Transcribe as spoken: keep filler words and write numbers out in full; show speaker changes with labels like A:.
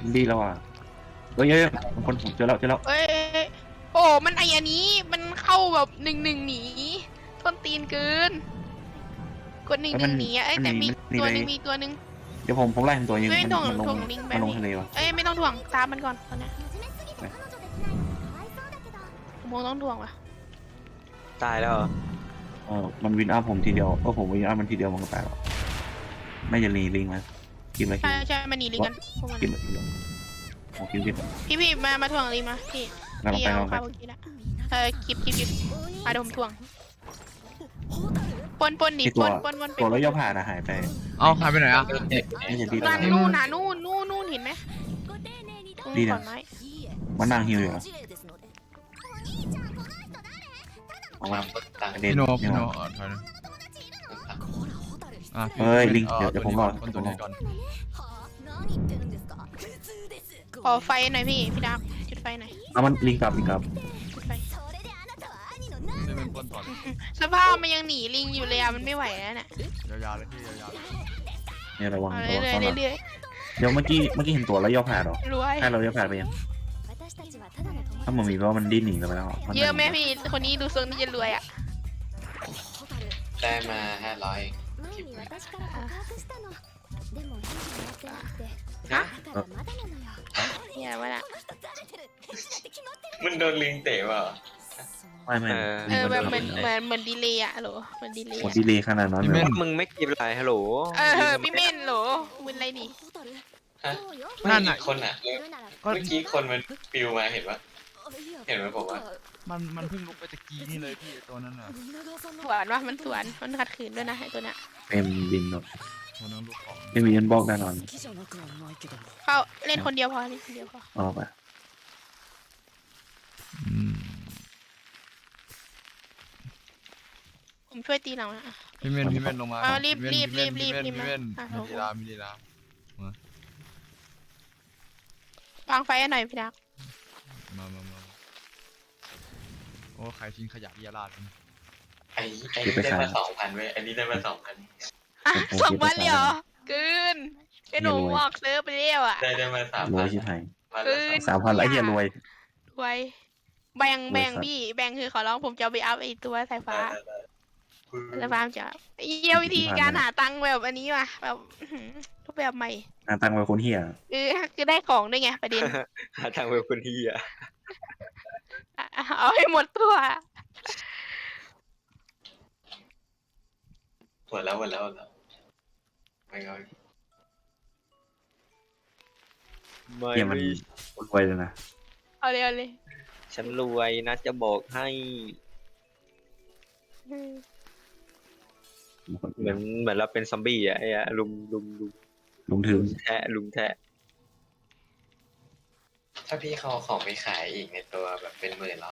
A: ดีแล้วอ่ะเอ้ยเอ้ยคนผมเจอแล้วเจอแล้ว
B: เอ้ยโอ้มันไออันนี้มันเข้าแบบหนึ่งหนึ่งหนีต้นตีนเกินกดหนึ่งหนึ่งหนีอะเอ้ยแต่มีตัวหนึ่งมีตัวหนึ่ง
A: เดี๋ยวผมผมไล่ตัวยิง
B: ไม่
A: มัน
B: ถ่วง
A: มันลง
B: ถ่วงลิงไป
A: มันลง
B: พี่
A: ทะเลวะ
B: เอ้ยไม่ต้องถ่วงตามมันก่อนตอนนี้โมต้องถ่วงว่ะ
C: ตายแล้วเหรอ
A: เออมันวินอัพผมทีเดียวเออผมวินอัพมันทีเดียวมันก็ตายแล้วไม่จะรีลิงมากินอะไรกิ
B: ใช่
A: น
B: ใช่มันหนีลิงกันพวกมัน
A: กินอะไรกินอะไรโอ้กินกิน
B: พี่พี่มามาถ่วงลิงมาพี่
A: กำลัง
B: พี่
A: ไป
B: เอา
A: กำลังไป
B: ข้าวเมื่อกี้ละเออคลิปคลิปคลิปมาเดี๋ยวผมถ่วงปนปนหนี
A: ที่
B: ป
A: ตัวน
B: ปนปน
A: ตัวแล้วย่อผ่านอะหายไป
D: เอาหายไปไหนอ่ะ
A: ไม่ใช่ที่
B: นั่
A: ตาน ย
B: นู่นน่ะนู่นนู่นนู่นเห็นไหม
A: ดีนะ
B: ก่อนไหม
A: มันนั่งฮิวอยู่เหรอออกมาประเด็น
D: พี่โน
A: เนี่
D: พี่
A: ย
D: โน
A: ว่ะ
D: อ่ะถอยหน่อยอ่ะพี่
A: เฮ้ยลิง
D: อา
A: เดี๋ยวเดี๋ยวผมรอ
D: คนตัวนี้ก่อน
B: ขอไฟหน่อยพี่พี่ดับจุดไฟหน่อย
A: เอามันลิงกลับลิงกลับ
B: จุดไฟ
D: นี่เป็นคนถอน
B: สภาพมันยังหนีลิงอยู่เลยอะมันไม่ไหวแล้วเนี่ย
D: ยาวๆเลยพี่ยาวๆเลย
A: เนี่ยระวัง
B: เอา
A: ระวัง
B: เรื่อย
A: ซ้อนหลัง
B: ๆเรื่อย
A: เดี๋ยวเมื่อกี้เมื่อกี้เห็นตัวแล้วย่อผ่านเหรอ
B: ๆรวย
A: ถ้าเราย่อผ่านไปยังถ้ามันมีเพราะว่ามันดิ้นหนีไปแล้วน
B: เยอะไหมพี่คนนี้ดูทรงที่จะรวยอ่ะ
E: ได้มาห้าร้อย
C: ฮะ
B: เนี่ยว่าน่ะ
E: มันโดนลิงเตะเปล่า
A: ไม่ไม่
C: เออ
B: เออแบบเหมือนเหมือนเหมือนดีเลยอะเหรอเหมือนดีเลย
A: หมดดีเลยขนาดนั้นเลย
C: มึงไม่กินอะไรฮัลโหล
B: เออพี่เม่นเหรอมึนอะไรนี่
E: ฮะ
D: นั่นน่ะ
E: คนอ่ะ
D: ก็
E: เมื่อกี้คนมันปิวมาเห็นปะเห็นไหมผมว่า
D: มันมันเพิ่งลุกไปตะกี้นี่เลยพี่ตัวนั้นน่ะ
B: สวนว่ามันสวนมันขัดขืนด้วยนะไอ้ตัวเนี้ย
A: เต็มบินหมด
D: ตัวนั้นลุกของ
A: ไม่มีเงินบอกแน่นอน
B: เขาเล่นคนเดียวพอเล่นคนเดียวพอ
A: ออกไป
D: อืม
B: ผมช่วยตีหลังนะ
D: พี่เม่นพี่เม่นลงมา
B: เอารีบ
D: พี่เม่น
B: รีบรีบรีบ
D: พี่เม่น
B: อ่ะ
D: พี่เม่นมีลีลามีลีลาว
B: างไฟให้หน่อยพี่ดัก
D: มามามาโอ้ใครทิ้งขยะเรียราดมัน
E: ไอ้ไอ้นี่ได้มาสองพันเว้ยไอ้นี่ได้มาสองพัน
B: อ่ะสองวันเลยเหรอเกินไอ้หนูวอกเซิร์ฟไปเรียวอ่ะ
E: ได้ได้มาสาม
A: รว
E: พั
A: ย
E: น
A: ชิบหาย
E: วันละ
B: เกิน
A: สามพันแล้วไอ้เหี้ยรวย
B: รวยแบ่งแบ่ง
A: รวยสัตว์
B: พี่แบ่งคือขอร้องผมจะเอาไปอัพไอ้ตัวสายฟ้า
E: ได้ได้ได้
B: แล้วฟาร์มจะเยี่ยวิธีการหาตังค์แบบอันนี้ว่ะแบบอื้อหือรูปแบบใหม่
A: งานตังค์ไปคนเหี้ย
B: คือคือได้ของด้วยไงประเด็น
C: หาทางเว็บคนที่อ่ะ
B: อ่ะเอาให้หมดตัว
E: หมดแล้วหมดแล้วหมดแล้วไม่เอา
C: ไม่
A: เหี้ยมันรวยเลยนะ
B: เอาเลยเอาเลย
C: ฉันรวยนะจะบอกให้
B: อืม
C: เหมือนเหมือนเราเป็นซอมบี้อ่ะไอ้อะลุมลุมลุม
A: ลงถึง
C: แทะลุมแทะ
E: ถ้าพี่เขาเอาของไปขายอีกในตัวแบบเป็นหมื่นแล้ว